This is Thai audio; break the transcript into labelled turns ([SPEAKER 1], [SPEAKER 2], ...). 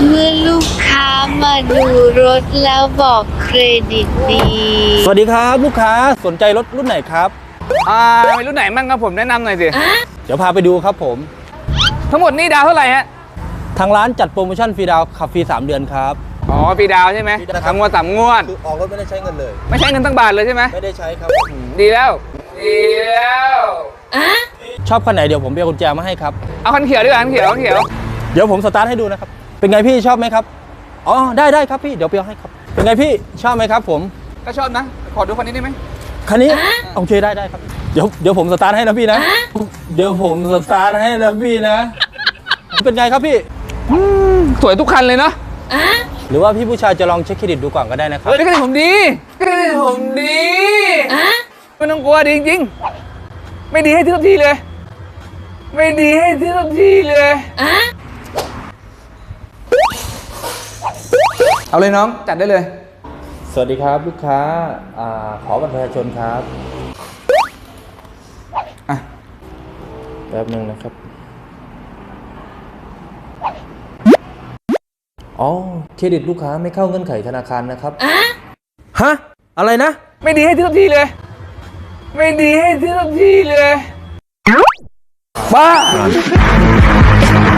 [SPEAKER 1] เมื่อลูกค้ามาดูรถแล้วบอกเครดิตดี
[SPEAKER 2] สวัสดีครับลูกค้าสนใจรถรุ่นไหนครับ
[SPEAKER 3] มีรุ่นไหนมั่งครับผมแนะนำหน่อยสิ
[SPEAKER 2] เดี๋ยวพาไปดูครับผม
[SPEAKER 3] ทั้งหมดนี่ดาวเท่าไหร่ฮะ
[SPEAKER 2] ทางร้านจัดโปรโมชั่นฟรีดาวน์ขับฟรี3 เดือนครับ
[SPEAKER 3] อ๋อฟรีดาวใช่ไหม
[SPEAKER 2] ฟรีดาวครับ
[SPEAKER 3] 3 งวด 3 งวด
[SPEAKER 2] คือออกรถไม่ได้ใช้เงินเลย
[SPEAKER 3] ไม่ใช้เงินตั้งบาทเลยใช่ไหม
[SPEAKER 2] ไม่ได้ใช้ครับ
[SPEAKER 3] ดีแล้วดีแล้ว
[SPEAKER 2] ชอบคันไหนเดี๋ยวผมไปเอากุญแจมาให้ครับ
[SPEAKER 3] เอาคันเขียวดีกว่าคันเขียวคันเขียว
[SPEAKER 2] เดี๋ยวผมสตาร์ทให้ดูนะครับเป็นไงพี่ชอบไหมครับอ๋อได้ครับพี่เดี๋ยวไปเอาให้ครับเป็นไงพี่ชอบไหมครับผม
[SPEAKER 3] ก็ชอบนะขอดูคันนี้ได้ไหม
[SPEAKER 2] คันนี้โอเคได้ครับเดี๋ยวผมสตาร์ทให้นะพี่นะเดี๋ยวผมสตาร์ทให้นะพี่นะเป็นไงครับพี่
[SPEAKER 3] สวยทุกคันเลยเนาะ
[SPEAKER 2] หรือว่าพี่ผู้ชายจะลองเช็คเครดิตดูก่อนก็ได้นะครับ
[SPEAKER 3] เครดิตผมดีเครดิตผมดีไม่ต้องกลัวดีจริงๆไม่ดีให้ทุกทีเลย ไม่ดีให้ทุกทีเลยเอาเลยน้องจัดได้เลย
[SPEAKER 2] สวัสดีครับลูกค้าขอบัตรประชาชนครับ
[SPEAKER 3] อ่ะ
[SPEAKER 2] แป๊บนึงนะครับอ๋อเครดิตลูกค้าไม่เข้าเงื่อนไขธนาคารนะครับฮะอะไรนะ
[SPEAKER 3] ไม่ดีให้ทุกทีเลย ไม่ดีให้ทุกทีเลยบ้า